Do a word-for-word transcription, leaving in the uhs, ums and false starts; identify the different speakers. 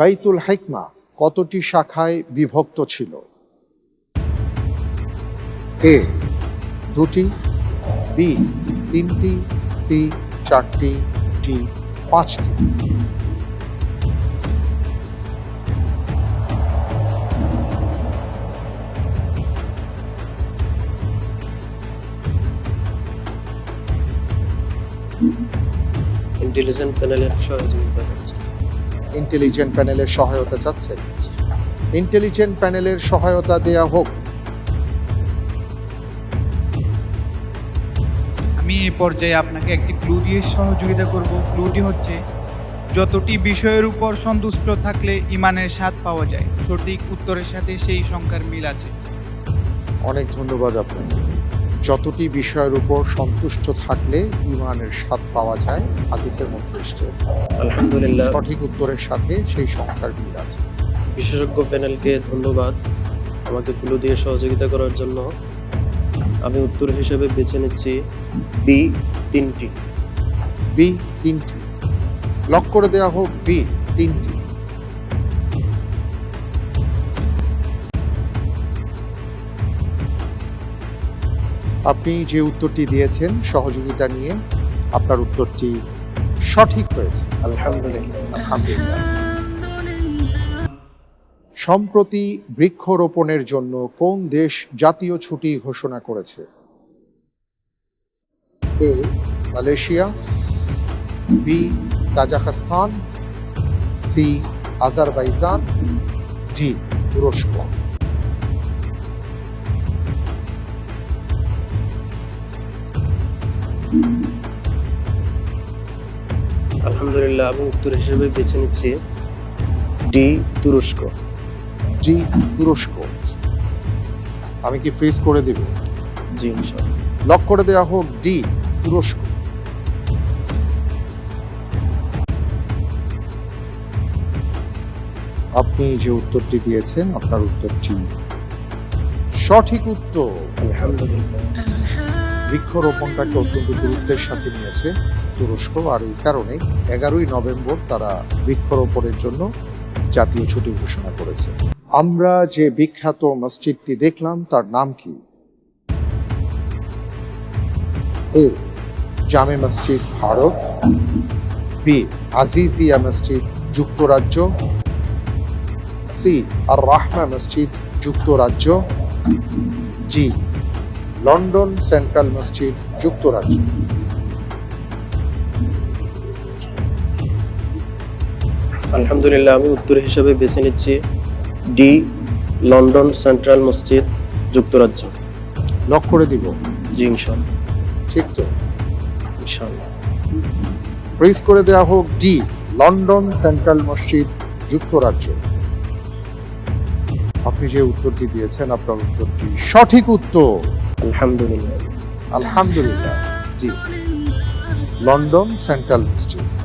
Speaker 1: বাইতুল হিকমা কতটি শাখায় বিভক্ত ছিল? এ দুটি, বি তিনটি, সি চারটি, ডি পাঁচটি।
Speaker 2: ইন্টেলিজেন্ট প্যানেলের সহযোগিতা করছে।
Speaker 1: ইন্টেলিজেন্ট প্যানেলের সহায়তা চাচ্ছেন? ইন্টেলিজেন্ট প্যানেলের সহায়তা দেয়া হোক।
Speaker 3: আমি এই পর্যায়ে আপনাকে একটি ক্লু দিয়ে সহযোগিতা করব। ক্লুটি হচ্ছে, যতটি বিষয়ের উপর সন্তুষ্ট থাকলে ইমানের স্বাদ পাওয়া যায়। সঠিক উত্তরের সাথে সেই সংখ্যার মিল আছে।
Speaker 1: অনেক ধন্যবাদ আপনাকে। যতটি বিষয়ের উপর সন্তুষ্ট থাকলে ইমানের স্বাদ পাওয়া যায়, হাদিসের মধ্যে এসেছে।
Speaker 2: আলহামদুলিল্লাহ,
Speaker 1: সঠিক উত্তরের সাথে সেই সংখ্যার মিল আছে।
Speaker 2: বিশেষজ্ঞ প্যানেলকে ধন্যবাদ আমাকে ক্লু দিয়ে সহযোগিতা করার জন্য। আমি উত্তর হিসেবে বেছে নিচ্ছি বি তিনটি।
Speaker 1: বি তিনটি। লক করে দেওয়া হোক বি তিনটি। আপনি যে উত্তরটি দিয়েছেন সহযোগিতা নিয়ে, আপনার উত্তরটি সঠিক হয়েছে।
Speaker 2: আলহামদুলিল্লাহ।
Speaker 1: আলহামদুলিল্লাহ। সম্প্রতি বৃক্ষরোপণের জন্য কোন দেশ জাতীয় ছুটি ঘোষণা করেছে? A Malaysia, B Kazakhstan, C Azerbaijan, D তুরস্ক।
Speaker 2: আলহামদুলিল্লাহ, আমি উত্তর হিসেবে বেছে নিচ্ছি ডি তুরস্ক।
Speaker 1: ডি তুরস্ক। আমি কি ফ্রিজ করে দেব?
Speaker 2: জি ইনশাআল্লাহ।
Speaker 1: লক করে দেওয়া হোক ডি তুরস্ক। আপনি যে উত্তরটি দিয়েছেন, আপনার উত্তরটি সঠিক উত্তর।
Speaker 2: আলহামদুলিল্লাহ।
Speaker 1: বৃক্ষরোপণটাকে অত্যন্ত গুরুত্বের সাথে নিয়েছে তুরস্ক, আর এই কারণে এগারোই নভেম্বর তারা বৃক্ষরোপণের জন্য জাতীয় ছুটি ঘোষণা করেছে। আমরা যে বিখ্যাত মসজিদটি দেখলাম তার নাম কি? এ জামে মসজিদ ভারত, বি আজিজিয়া মসজিদ যুক্তরাজ্য, সি আর রাহমা মসজিদ যুক্তরাজ্য, জি লন্ডন সেন্ট্রাল মসজিদ যুক্তরাজ্য।
Speaker 2: আলহামদুলিল্লাহ, আমি উত্তর হিসেবে বেছে নিচ্ছি ডি লন্ডন সেন্ট্রাল মসজিদ যুক্তরাজ্য।
Speaker 1: লক করে দিব?
Speaker 2: জি ইনশাআল্লাহ।
Speaker 1: ঠিক তো?
Speaker 2: ইনশাআল্লাহ।
Speaker 1: ফ্রিজ করে দেওয়া হোক ডি লন্ডন সেন্ট্রাল মসজিদ যুক্তরাজ্য। আপনি যে উত্তরটি দিয়েছেন, আপনার উত্তরটি সঠিক উত্তর।
Speaker 2: আলহামদুলিল্লাহ।
Speaker 1: আলহামদুলিল্লাহ। জি লন্ডন সেন্ট্রাল মসজিদ।